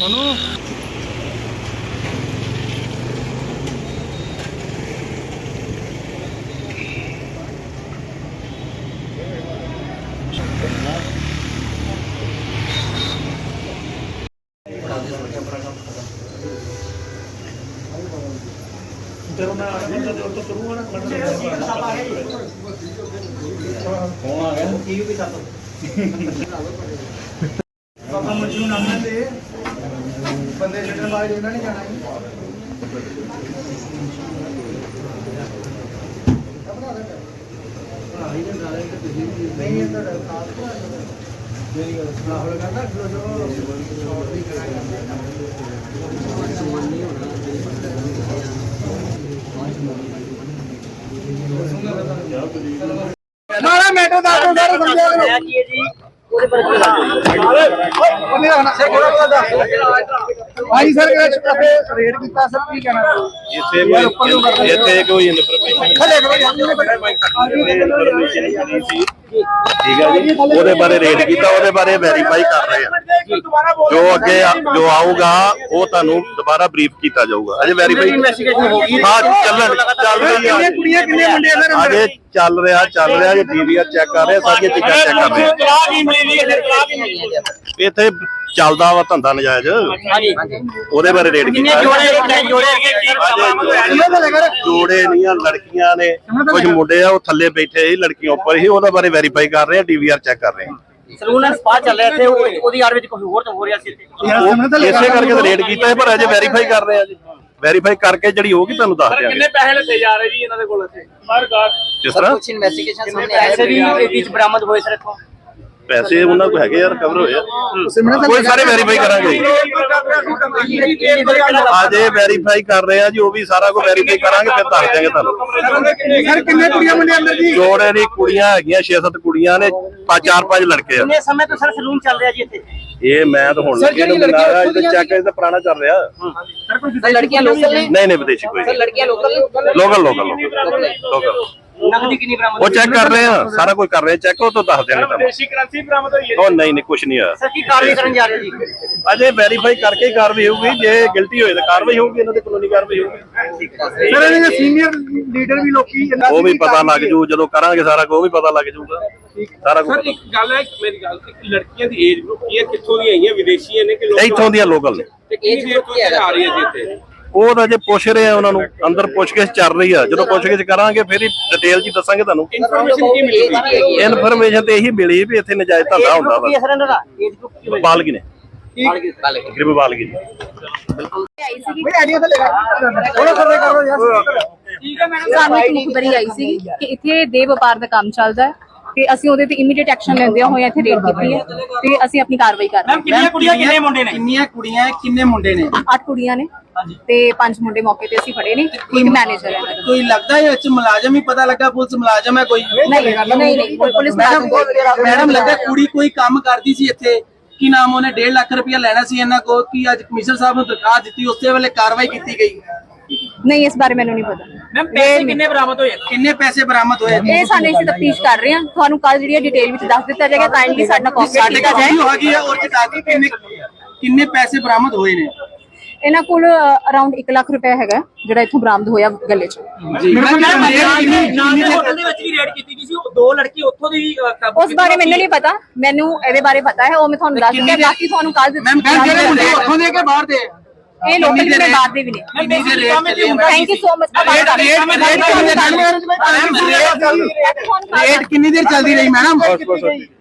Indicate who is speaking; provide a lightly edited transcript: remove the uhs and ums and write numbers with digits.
Speaker 1: बाबा मुझे नाम दे बंदे छड्डण वाले ਇਹਨਾਂ ਨੇ ਜਾਣਾ ਨਹੀਂ ਇਹ ਤਾਂ ਖਾਸ ਮੇਰੀ ਗੱਲ ਰਾਹੁਲ ਕਹਿੰਦਾ ਜੋ ਸ਼ਾਰਟ ਵੀ ਕਰਾਂਗੇ ਨਹੀਂ ਹੋਣਾ मारा मैटर दास को सारे समझा करो जी पूरे पर भाई सर कैसे रेड कीता सर की कहना
Speaker 2: ਇੱਥੇ ਕੋਈ ਇਨਫੋਰਮੇਸ਼ਨ
Speaker 1: खड़े करो
Speaker 2: ਇਨਫੋਰਮੇਸ਼ਨ ਨਹੀਂ ਸੀ ठीक है जी ਉਹਦੇ ਬਾਰੇ ਰੇਡ ਕੀਤਾ ਉਹਦੇ ਬਾਰੇ ਵੈਰੀਫਾਈ ਕਰ ਰਹੇ ਆ ਜੋ ਅੱਗੇ ਜੋ ਆਊਗਾ ਉਹ ਤੁਹਾਨੂੰ ਦੁਬਾਰਾ ਬਰੀਫ ਕੀਤਾ ਜਾਊਗਾ ਅਜੇ ਵੈਰੀਫਾਈ ਇਨਵੈਸਟੀਗੇਸ਼ਨ ਹੋ ਗਈ ਹਾਂ ਚੱਲ ਰਹੀ ਹੈ
Speaker 1: ਕੁੜੀਆਂ ਕਿੰਨੇ ਮੁੰਡੇ ਅੰਦਰ
Speaker 2: ਅਜੇ ਚੱਲ ਰਿਹਾ ਜੀ ਡੀਵੀਆਰ ਚੈੱਕ ਕਰ ਰਹੇ ਸਾਰੀਆਂ ਚੀਜ਼ਾਂ ਚੈੱਕ ਕਰ ਰਹੇ ਇੱਥੇ ਚੱਲਦਾ ਵਾ ਧੰਦਾ ਨਜਾਇਜ਼ ਉਹਦੇ ਬਾਰੇ ਰੇਡ ਕੀਤਾ ਜੋੜੇ ਨਹੀਂ ਆ ਲੜਕੀਆਂ ਨੇ ਕੁਝ ਮੁੰਡੇ ਆ ਉਹ ਥੱਲੇ ਬੈਠੇ ਸੀ ਲੜਕੀਆਂ ਉੱਪਰ ਹੀ ਉਹਦੇ ਬਾਰੇ ਵੈਰੀਫਾਈ ਕਰ ਰਹੇ ਆ ਡੀਵੀਆਰ ਚੈੱਕ ਕਰ ਰਹੇ ਆ
Speaker 3: ਸਲੂਨ ਐਂਡ ਸਪਾ ਚੱਲ ਰਿਹਾ ਇੱਥੇ ਉਹਦੀ ਯਾਰ ਵਿੱਚ ਕੋਈ ਹੋਰ ਤਾਂ ਹੋ ਰਿਹਾ ਸੀ
Speaker 2: ਇਸੇ ਕਰਕੇ ਤਾਂ ਰੇਡ ਕੀਤਾ ਪਰ ਅਜੇ ਵੈਰੀਫਾਈ ਕਰ ਰਹੇ ਆ ਜੀ ਵੈਰੀਫਾਈ ਕਰਕੇ ਜਿਹੜੀ ਹੋਗੀ ਤੁਹਾਨੂੰ ਦੱਸ ਦਿਆਂਗੇ
Speaker 3: ਕਿੰਨੇ ਪੈਸੇ ਲੱਗੇ ਜਾ ਰਹੇ ਜੀ ਇਹਨਾਂ ਦੇ ਕੋਲ ਇੱਥੇ ਹਰ ਗਾਰ
Speaker 2: ਜਿਸ ਤਰ੍ਹਾਂ
Speaker 3: ਕੁਝ ਇਨਵੈਸਟੀਗੇਸ਼ਨ ਸਾਹਮਣੇ ਆਇਆ ਪੈਸੇ ਵੀ ਵਿੱਚ ਬਰਾਮਦ ਹੋਏ ਸਰ ਇੱਥੋਂ
Speaker 2: ਪੈਸੇ ਉਹਨਾਂ ਕੋਲ ਹੈਗੇ ਯਾਰ ਕਵਰ ਹੋਏ ਆ ਕੋਈ ਸਾਰੇ ਵੈਰੀਫਾਈ ਕਰਾਂਗੇ ਅਜੇ ਵੈਰੀਫਾਈ ਕਰ ਰਹੇ ਆ ਜੀ ਉਹ ਵੀ ਸਾਰਾ ਕੁਝ ਵੈਰੀਫਾਈ ਕਰਾਂਗੇ ਫਿਰ ਦੱਸ ਦਿਆਂਗੇ ਤੁਹਾਨੂੰ
Speaker 1: ਸਰ ਕਿੰਨੇ ਕੁੜੀਆਂ ਮੁੰਡੇ ਅੰਦਰ ਜੀ
Speaker 2: ਜੋੜੇ ਦੀ ਕੁੜੀਆਂ ਹੈਗੀਆਂ 6-7 ਕੁੜੀਆਂ ਨੇ 4-5 ਲੜਕੇ ਆ
Speaker 3: ਕਿੰਨੇ ਸਮੇਂ ਤੋਂ ਸਰ ਸਲੂਨ ਚੱਲ ਰਿਹਾ ਜੀ ਇੱਥੇ
Speaker 2: ਇਹ ਮੈਂ ਤਾਂ ਹੁਣ ਲੱਗੇ ਨੂੰ ਮਿਲਾਇਆ ਇਹ ਚੈੱਕ ਇਹ ਤਾਂ ਪੁਰਾਣਾ ਚੱਲ ਰਿਹਾ
Speaker 3: ਸਰ ਲੜਕੀਆਂ ਲੋਕਲ ਨੇ
Speaker 2: ਨਹੀਂ ਵਿਦੇਸ਼ੀ ਕੋਈ
Speaker 3: ਸਰ ਲੜਕੀਆਂ ਲੋਕਲ ਨੇ
Speaker 2: ਲੋਕਲ
Speaker 3: ਨਕਦੀ ਕਿੰਨੀ ਬਰਾਮਦ
Speaker 2: ਉਹ ਚੈੱਕ ਕਰ ਰਹੇ ਆ ਸਾਰਾ ਕੁਝ ਕਰ ਰਹੇ ਆ ਚੈੱਕ ਉਹ ਤੋਂ ਦੱਸ ਦਿਆਂਗੇ ਤੁਹਾਨੂੰ
Speaker 3: ਵਿਦੇਸ਼ੀ ਕਰੰਸੀ ਬਰਾਮਦ ਹੋਈ ਹੈ
Speaker 2: ਉਹ ਨਹੀਂ ਕੁਝ ਨਹੀਂ ਹੋਇਆ
Speaker 3: ਸਰ ਕੀ ਕਾਰਵਾਈ ਕਰਨ ਜਾ ਰਹੇ ਜੀ
Speaker 2: ਅਜੇ ਵੈਰੀਫਾਈ ਕਰਕੇ ਹੀ ਕਾਰਵਾਈ ਹੋਊਗੀ ਜੇ ਗਿਲਟੀ ਹੋਏ ਤਾਂ ਕਾਰਵਾਈ ਹੋਊਗੀ ਇਹਨਾਂ ਦੇ ਕਾਨੂੰਨੀ ਕਾਰਵਾਈ ਹੋਊਗੀ
Speaker 1: ਸਰ ਇਹਨਾਂ ਦੇ ਸੀਨੀਅਰ ਲੀਡਰ ਵੀ ਲੋਕੀ
Speaker 2: ਉਹ ਵੀ ਪਤਾ ਲੱਗ ਜੂ ਜਦੋਂ ਕਰਾਂਗੇ ਸਾਰਾ ਕੁਝ ਉਹ ਵੀ ਪਤਾ ਲੱਗ ਜੂਗਾ ਸਾਰਾ ਕੁਝ
Speaker 4: ਸਰ ਇੱਕ ਗੱਲ ਹੈ ਮੇਰੀ ਗੱਲ ਲੜਕੀਆਂ ਦੀ ਏਜ ਗਰੁੱਪ ਕੀ ਹੈ ਕਿੱਥੋਂ ਦੀ ਆਈਆਂ ਵਿਦੇਸ਼ੀਆਂ ਨੇ ਕਿ
Speaker 2: ਇੱਥੋਂ ਦੀਆਂ ਲੋਕਲ ਨੇ
Speaker 4: ਤੇ ਕਿੰਨੀ ਦੇਰ ਤੋਂ ਆ ਰਹੀ ਹੈ ਜੀ ਇੱਥੇ
Speaker 2: ਉਹ ਤਾਂ ਜੇ ਪੁੱਛ ਰਹੇ ਆ ਉਹਨਾਂ ਨੂੰ ਅੰਦਰ ਪੁੱਛਗਿੱਛ ਚੱਲ ਰਹੀ ਆ ਜਦੋਂ ਪੁੱਛਗਿੱਛ ਕਰਾਂਗੇ ਫਿਰ ਹੀ ਡਿਟੇਲ ਜੀ ਦੱਸਾਂਗੇ ਤੁਹਾਨੂੰ
Speaker 4: ਇਨਫੋਰਮੇਸ਼ਨ ਕੀ ਮਿਲੂਗੀ
Speaker 2: ਇਨਫੋਰਮੇਸ਼ਨ ਤੇ ਇਹੀ ਮਿਲੀ ਵੀ ਇੱਥੇ ਨਜਾਇਜ਼ ਧੰਦਾ ਹੁੰਦਾ ਵਾ
Speaker 3: ਸਰ ਇਹਨਾਂ ਦਾ ਏਜ ਗਰੁੱਪ ਕੀ ਹੋਏਗਾ
Speaker 2: ਬਾਲਗੀ ਨੇ ਗਰੀਬ ਬਾਲਗੀ ਨੇ
Speaker 1: ਬਈ ਆਈਡੀਆ ਤਾਂ ਲੈ ਥੋੜਾ ਸਰਵੇ ਕਰੋ ਯਾਰ
Speaker 5: ਸਾਨੂੰ ਇੱਕ ਮੁਖਬਰੀ ਆਈ ਸੀ ਕਿ ਇੱਥੇ ਦੇ ਵਪਾਰ ਦਾ ਕੰਮ ਚੱਲਦਾ ਹੈ ਤੇ ਅਸੀਂ ਉਹਦੇ ਤੇ ਇਮੀਡੀਏਟ ਐਕਸ਼ਨ ਲੈਂਦੇ ਹੋਏ ਇੱਥੇ ਰੇਡ ਕੀਤੀ ਹੈ ਤੇ ਅਸੀਂ ਆਪਣੀ ਕਾਰਵਾਈ ਕਰ ਰਹੇ ਹਾਂ।
Speaker 3: ਕਿੰਨੀਆਂ ਕੁੜੀਆਂ ਕਿੰਨੇ ਮੁੰਡੇ ਨੇ
Speaker 1: ਕਿੰਨੀਆਂ ਕੁੜੀਆਂ ਕਿੰਨੇ ਮੁੰਡੇ ਨੇ
Speaker 5: 8 ਕੁੜੀਆਂ ਨੇ ਤੇ 5 ਮੁੰਡੇ ਮੌਕੇ ਤੇ ਅਸੀਂ ਫੜੇ ਨੇ ਇੱਕ ਮੈਨੇਜਰ ਹੈ
Speaker 1: ਕੋਈ ਲੱਗਦਾ ਹੈ ਵਿੱਚ ਮੁਲਾਜ਼ਮ ਹੀ ਪਤਾ ਲੱਗਾ ਪੁਲਿਸ ਮੁਲਾਜ਼ਮ ਹੈ ਕੋਈ
Speaker 5: ਨਹੀਂ ਪੁਲਿਸ
Speaker 1: ਮੈਡਮ ਲੱਗਾ ਕੁੜੀ ਕੋਈ ਕੰਮ ਕਰਦੀ ਸੀ ਇੱਥੇ ਕੀ ਨਾਮ ਉਹਨੇ 1.5 ਲੱਖ ਰੁਪਇਆ ਲੈਣਾ ਸੀ ਇਹਨਾਂ ਕੋਲ ਕਿ ਅੱਜ ਕਮਿਸ਼ਨਰ ਸਾਹਿਬ ਨੂੰ ਦਰਖਾਸਤ ਦਿੱਤੀ ਉਸੇ ਵੇਲੇ ਕਾਰਵਾਈ ਕੀਤੀ ਗਈ
Speaker 5: ਨਹੀਂ ਇਸ ਬਾਰੇ ਮੈਨੂੰ ਨਹੀਂ ਪਤਾ
Speaker 3: ਮੈਮ ਪੈਸੇ ਕਿੰਨੇ ਬਰਾਮਦ ਹੋਏ
Speaker 1: ਕਿੰਨੇ ਪੈਸੇ ਬਰਾਮਦ ਹੋਏ
Speaker 5: ਇਹ ਸਾਡੇ ਅਸੀਂ ਤਫਤੀਸ਼ ਕਰ ਰਹੇ ਹਾਂ ਤੁਹਾਨੂੰ ਕੱਲ ਜਿਹੜੀ ਡਿਟੇਲ ਵਿੱਚ ਦੱਸ ਦਿੱਤਾ ਜਾਏਗਾ ਕਾਈਂਡਲੀ ਸਾਡਾ ਕੋਆਪਰੇਟ ਕੀਤਾ ਜਾਏ
Speaker 1: ਹੋ ਗਈ ਹੈ ਔਰ ਕਿੰਨੇ ਪੈਸੇ ਬਰਾਮਦ ਹੋਏ ਨੇ
Speaker 5: ਇਹਨਾਂ ਕੋਲ ਅਰਾਊਂਡ 1 ਲੱਖ ਰੁਪਏ ਹੈਗਾ ਜਿਹੜਾ ਇੱਥੋਂ ਬਰਾਮਦ ਹੋਇਆ ਗੱਲੇ 'ਚ
Speaker 3: ਹੋਟਲ ਦੇ ਵਿੱਚ ਵੀ ਰੇਡ ਕੀਤੀ ਗਈ ਸੀ ਦੋ ਲੜਕੀ ਉੱਥੋਂ ਦੀ
Speaker 5: ਉਸ ਬਾਰੇ ਮੈਨੂੰ ਨਹੀਂ ਪਤਾ ਮੈਨੂੰ ਇਹਦੇ ਬਾਰੇ ਪਤਾ ਹੈ ਉਹ ਮੈਂ ਤੁਹਾਨੂੰ ਦੱਸ ਦਿੰਦਾ ਬਾਕੀ ਤੁਹਾਨੂੰ ਕੱਲ
Speaker 1: ਜਿਹੜੇ ਮੁੰਡੇ ਉੱਥੋਂ ਦੇ ਕੇ ਬਾਹਰ ਦੇ
Speaker 5: ਇਹ ਲੋਕਲ ਵੀ ਨੇ ਬਾਹਰ ਦੇ ਵੀ ਨੇ thank you so much
Speaker 1: rate ਕਿੰਨੀ ਦੇਰ ਚੱਲਦੀ ਰਹੀ ਮੈਡਮ